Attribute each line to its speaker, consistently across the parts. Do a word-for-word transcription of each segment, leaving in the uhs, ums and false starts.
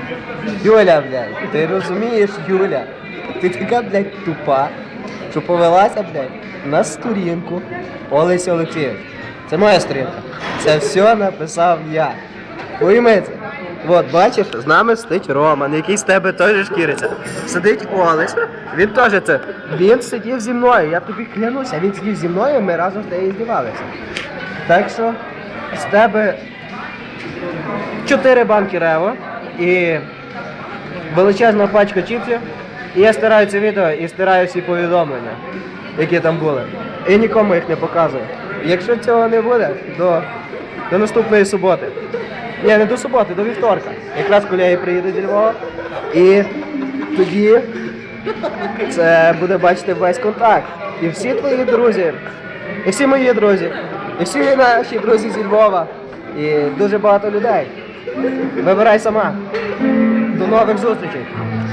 Speaker 1: Юля, блядь, ти розумієш, Юля? Ти така, блядь, тупа, що повелася, блядь, на сторінку Олесі Олексійович. Це моя сторінка. Це все написав я. Пойми це. От, бачиш, з нами сидить Роман, який з тебе теж шкіриться. Сидить Олесь, він теж це. Він сидів зі мною, я тобі клянуся, він сидів зі мною, ми разом з нею здівалися. Так що з тебе чотири банки рево і величезна пачка чіпсів. І я стираю це відео і стираю всі повідомлення, які там були. І нікому їх не показую. Якщо цього не буде, до, до наступної суботи. Ні, не до суботи, до вівторка. Якраз колеги приїдуть зі Львова. І тоді це буде бачити весь контакт. І всі твої друзі, і всі мої друзі, і всі наші друзі зі Львова. І дуже багато людей. Вибирай сама. До нових зустрічей.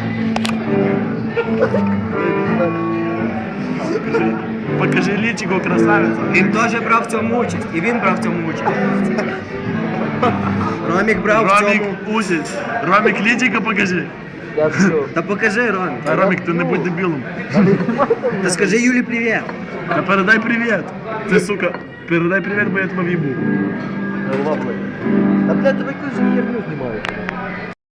Speaker 2: Покажи личико, красавиця.
Speaker 1: Він теж брав в цьому участь. І він брав в цьому участь. Ромік брав в
Speaker 2: Ромік
Speaker 1: цьому.
Speaker 2: Узіч. Ромік личико покажи.
Speaker 1: Я все. Та покажи, Ромік.
Speaker 2: А Ромік, ти не будь дебілом.
Speaker 1: Та скажи Юлі привіт.
Speaker 2: Та передай привіт. Ти, сука, передай привіт, бо я тебе в'їбу.
Speaker 1: Та блядь, давай якусь херню знімаю.